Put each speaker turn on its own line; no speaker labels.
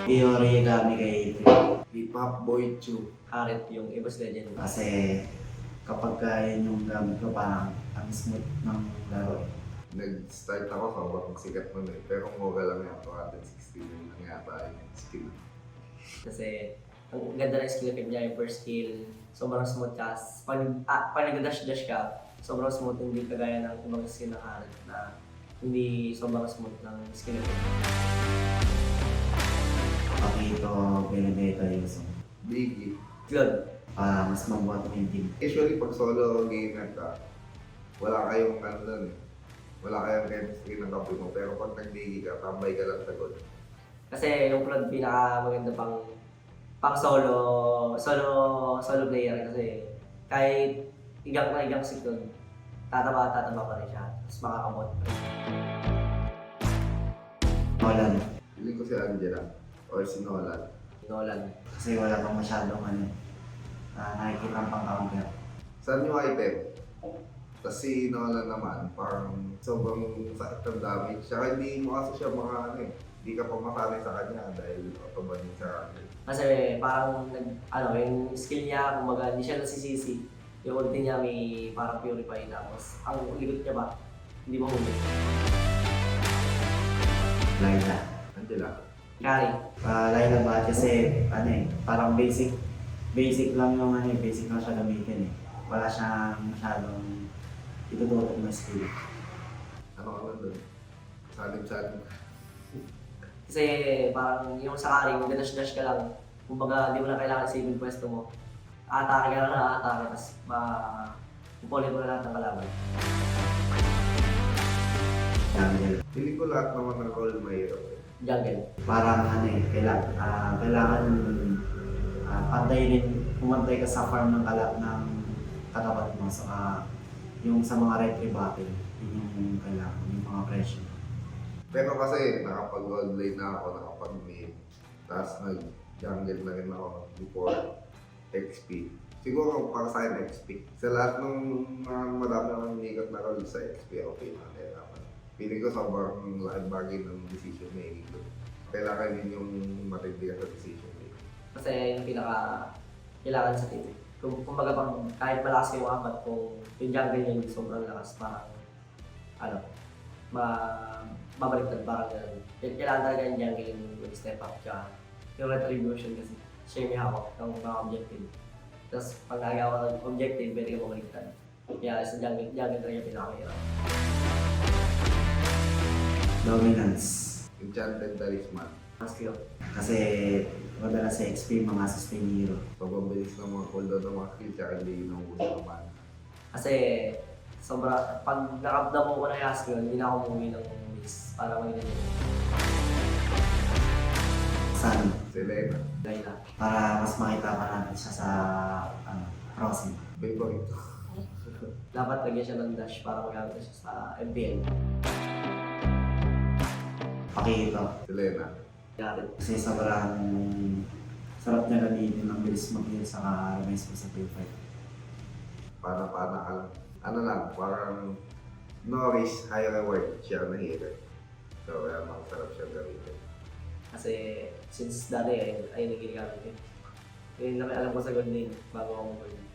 Origami kay
Hip-hop boy chew.
Harit yung Evos Legend.
kasi kapag yun yung gamit ko parang ang smooth ng laro eh.
Nag-start ako sobrang sikat nun eh. Pero mura lang yan, 260 yun lang yata yung skill.
Kasi ang ganda ng skill niya, yung first skill, sobrang smooth ka. Pag nag-dash-dash ka, sobrang smooth, hindi kagaya ng ibang skill ng Harit na hindi sobrang smooth ng skill niya.
Pakito, Benedetto, Yusong.
Biggie.
Good.
Para mas mabuhat mo yung team.
Usually pag solo gamer ka, wala kayong ano dun eh. Wala kayong chemistry ng kape mo. Pero pag nag-biggie ka, tambay ka lang sa goal.
Kasi yung Flood pinaka maganda pang solo player kasi kahit igang na igang si Flood, tataba pa rin siya. Tapos makakamot pa rin.
Nolan.
Feeling ko si Angela or si Nolan.
Nolan.
Kasi wala pang masyadong nakikita ang pang-counter.
Saan yung item? Tapos si Nolan naman, parang sobrang sakit ng damage. Tsaka hindi mo kasi siya mga ano eh. Hindi ka pa masanay sa kanya dahil automatic sa kanya.
Kasi parang yung skill niya, kumbaga hindi siya nasisisi. Yung ulti niya may parang purify tapos ang likod niya ba, hindi mo huli.
Laila.
Angela.
Carry.
Laila ba? Kasi parang basic lang yung basic lang siya gamitin eh. Wala siyang masyadong itututok na skill.
Ano ka lang doon? Salim-salim.
Kasi parang yung sa carry, mag-dash-dash ka lang. Kumbaga, hindi mo na kailangan save yung pwesto mo. Atake ka lang na atake, tapos pupulin mo na lahat ng kalaban.
Jungle.
Feeling ko lahat naman ng role mahirap eh.
Jungle.
Parang kailangan pantay rin, pumantay ka sa farm ng katapat mo. Saka yung sa mga retry battle, yun yung kailangan, yung mga pressure.
Pero kasi nakapag-gold lane na ako, nakapag-mid. Tapos nag-jungle na rin ako before XP. Siguro para sa akin XP. Sa lahat ng mga madami akong inigot na role sa XP, okay na kailangan. Feeling ko sobrang laking bagay ng decision making ko. Kailangan din yung matindi ka sa decision making.
Kasi yung kailangan sa team. Kumbaga kahit malakas yung apat, kung yung jungle niya hindi sobrang lakas, parang babaliktad parang gano'n. Kailangan talaga yung jungle yung step up siya. Yung retribution kasi siya yung may hawak ng mga objective. Tapos pag nagawa ng objective, pwede ka babaliktad. Kaya sa jungle talaga yung pinakahirap.
Dominance.
Enchanted Talisman.
Ang skill.
Kasi madalas sa XP, mga sustain hero.
Sobrang bilis ng mga cooldown ng mga skill, tsaka hindi yun ang uso naman.
Kasi pag nakapdam mo ko na yung skill, hindi na ako umuwi ng base para magiging
Sun.
Selena.
Layla.
Para mas makita pa natin siya sa crossing.
Favorite ko.
Dapat lagyan siya ng dash para magamit siya sa MPL.
Pakito.
Selena.
Garit.
Kasi sobrang sarap niya gamitin, ang bilis mag-heal sa remiss mo sa field fight.
Pana-pana ka lang. Ano lang, parang Norris, high reward siya na hero. So, kaya makasarap siya gamitin.
Kasi since dati ayun ang ginagamit ko. Yun na may alam ko sa good lane bago ako mag-gold.